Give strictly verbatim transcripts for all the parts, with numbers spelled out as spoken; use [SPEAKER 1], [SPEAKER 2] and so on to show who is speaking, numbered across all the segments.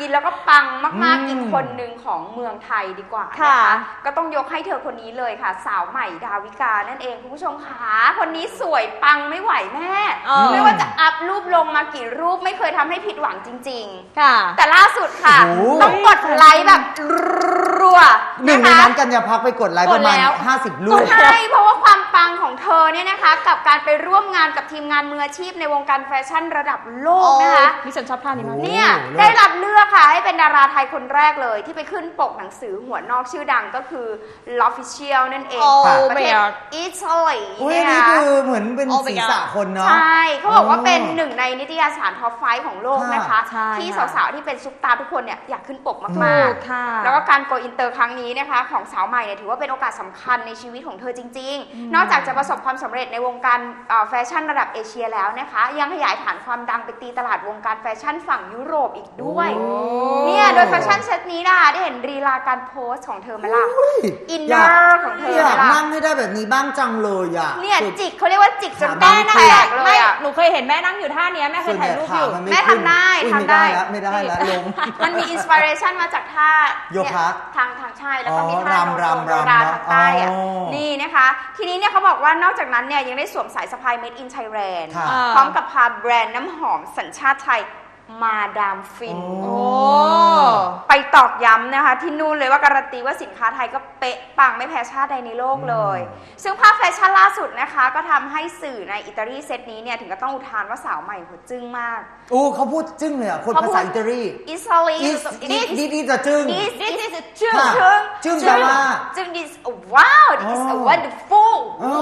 [SPEAKER 1] แล้วก็ปังมากๆอีกคนหนึ่งของเมืองไทยดีกว่านะคะก็ต้องยกให้เธอคนนี้เลยค่ะสาวใหม่ดาวิกานั่นเองคุณผู้ชมค่ะคนนี้สวยปังไม่ไหวแม่ไม่ว่าจะอัพรูปลงมากี่รูปไม่เคยทำให้ผิดหวังจริงๆค่ะแต่ล่าสุดค่ะต้องกดไลค์แบบรัว
[SPEAKER 2] หนึ่งในนั้นกัญญาพักไปกดไลค์ประมาณห้าสิบรูป
[SPEAKER 1] ใช่เพราะว่าความปังของเธอเนี่ยนะคะกับการไปร่วมงานกับทีมงานมืออาชีพในวงการแฟชั่นระดับโลกนะคะ
[SPEAKER 3] นี่ฉันชอบท่านี้มาก
[SPEAKER 1] เนี่ยได้รับเลือกค่ะให้เป็นดาราไทยคนแรกเลยที่ไปขึ้นปกหนังสือหัวนอกชื่อดังก็คือ L'Official นั่นเองประเทศอิตาลี
[SPEAKER 2] เนี่ยนี่คือเหมือนเป็นศีรษะคนเนาะ
[SPEAKER 1] ใช่เขาบอกว่าเป็นหนึ่งในนิตยสารท็อปไฟว์ของโลกนะคะที่สาวๆที่เป็นซุปตาทุกคนเนี่ยอยากขึ้นปกมากๆแล้วก็การโกอินเตอร์ครั้งนี้นะคะของสาวใหม่เนี่ยถือว่าเป็นโอกาสสำคัญในชีวิตของเธอจริงๆนอกจากจะประสบความสำเร็จในวงการแฟชั่นระดับเอเชียแล้วนะคะยังขยายฐานความดังไปตีตลาดวงการแฟชั่นฝั่งยุโรปอีกด้วยเนี่ยโดยแฟชั่นเซตนี้นะคะได้เห็นรีลาการโพสของเธอไหมล่ะอินเนอร์ของเธอ
[SPEAKER 2] อยากนั่งให้ได้แบบนี้บ้างจังเลยอ่ะ
[SPEAKER 1] เนี่ยจิกเขาเรียกว่าจิกจนแม่นั่งแตกเลยอ่ะ
[SPEAKER 3] หนูเคยเห็นแม่นั่งอยู่ท่านี้แม่เคยถ่ายรูปอยู่
[SPEAKER 1] แม่ทำได้ทำได้
[SPEAKER 2] ไม่ได้แล้วลง
[SPEAKER 1] มันมีอินสปิเรชันมาจากท่า
[SPEAKER 2] โยคะ
[SPEAKER 1] ทางทางชายแล้วก็มีท่าโนโนราทางใต้อ่ะนี่นะคะทีนี้เนี่ยเขาบอกว่านอกจากนั้นเนี่ยยังได้สวมสายสะพาย Made in Thailand พร้อมกับพาแบรนด์น้ำหอมสัญชาติไทยมาดามฟินไปตอกย้ำนะคะที่นู่นเลยว่าการันตีว่าสินค้าไทยก็เป๊ะปังไม่แพ้ชาติใดในโลกเลยซึ่งภาพแฟชั่นล่าสุดนะคะก็ทำให้สื่อในอิตาลีเซตนี้เนี่ยถึงก็ต้องอุทานว่าสาวใหม่หัวจึ้งมาก
[SPEAKER 2] โอ้เขาพูดจึ้งเลยอ่ะคนภาษาอิตาลี
[SPEAKER 1] อิตาลี
[SPEAKER 2] นี่นี่จะจึ้ง
[SPEAKER 1] นี่นี่จะจึ้ง
[SPEAKER 2] จึ้งแปลว่า
[SPEAKER 1] จึ้ง this wow this is wonderful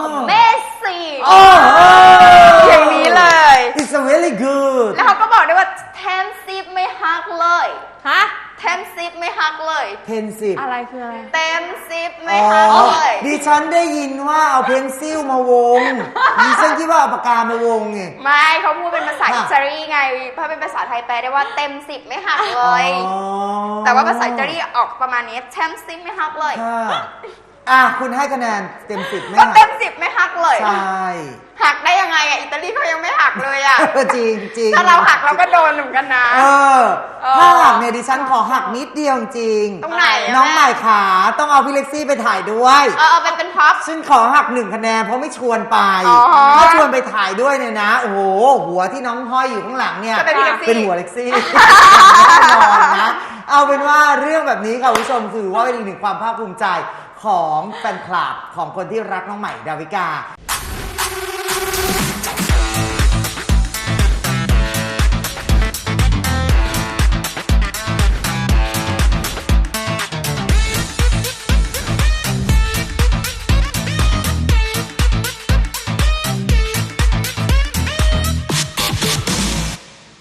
[SPEAKER 1] amazing อย่างนี้เลย
[SPEAKER 2] it's very good
[SPEAKER 1] แล้วเขาก็บอกด้วยว่าเทมซิปไม่ฮักเลย
[SPEAKER 3] ฮะ
[SPEAKER 1] เทมซิปไม่ฮักเลย
[SPEAKER 2] เพนซิป
[SPEAKER 3] อะไรคืออะไร
[SPEAKER 1] เต็มซิปไม่ฮักเลย
[SPEAKER 2] ดิฉันได้ยินว่าเอาเพนซิลมาวงดิฉันคิดว่าเอาปากกามาวงไง
[SPEAKER 1] ไม่เขาพูดเป็นภาษาอิตาลีไงถ้าเป็นภาษาไทยแปลได้ว่าเต็มสิบไม่หักเลยแต่ว่าภาษาอิตาลีออกประมาณนี้เต็มสิบไม่หักเลย
[SPEAKER 2] อ่ะคุณให้คะแนนเต็มสิบไหม
[SPEAKER 1] ก็เต็มสิบไม่หักเลย
[SPEAKER 2] ใช่
[SPEAKER 1] หักได้ยังไงอ่ะอิตาลีเขายังไม่หักเลยอ่ะ
[SPEAKER 2] จริงจริง
[SPEAKER 1] ถ้าเราหักเราก็โดนเหมือนกันนะ
[SPEAKER 2] เออถ้าหักเนี่ยดิฉันขอหักนิดเดียวจริง
[SPEAKER 1] ตรงไหน
[SPEAKER 2] น้องใหม่ขาต้องเอาพี่เล็กซี่ไปถ่ายด้วย
[SPEAKER 1] เออเอาเป็นเป็นพ็อป
[SPEAKER 2] ฉันขอหักหนึ่งคะแนนเพราะไม่ชวนไปถ้าชวนไปถ่ายด้วยเนี่ยนะโอ้โหหัวที่น้องห้อยอยู่ข้างหลังเนี่ยเป็นหัวเล็กซี่แน่นอนนะเอาเป็นว่าเรื่องแบบนี้ค่ะคุณผู้ชมถือว่าเป็นอีกหนึ่งความภาคภูมิใจของแฟนคลับของคนที่รักน้องใหม่ดาวิกา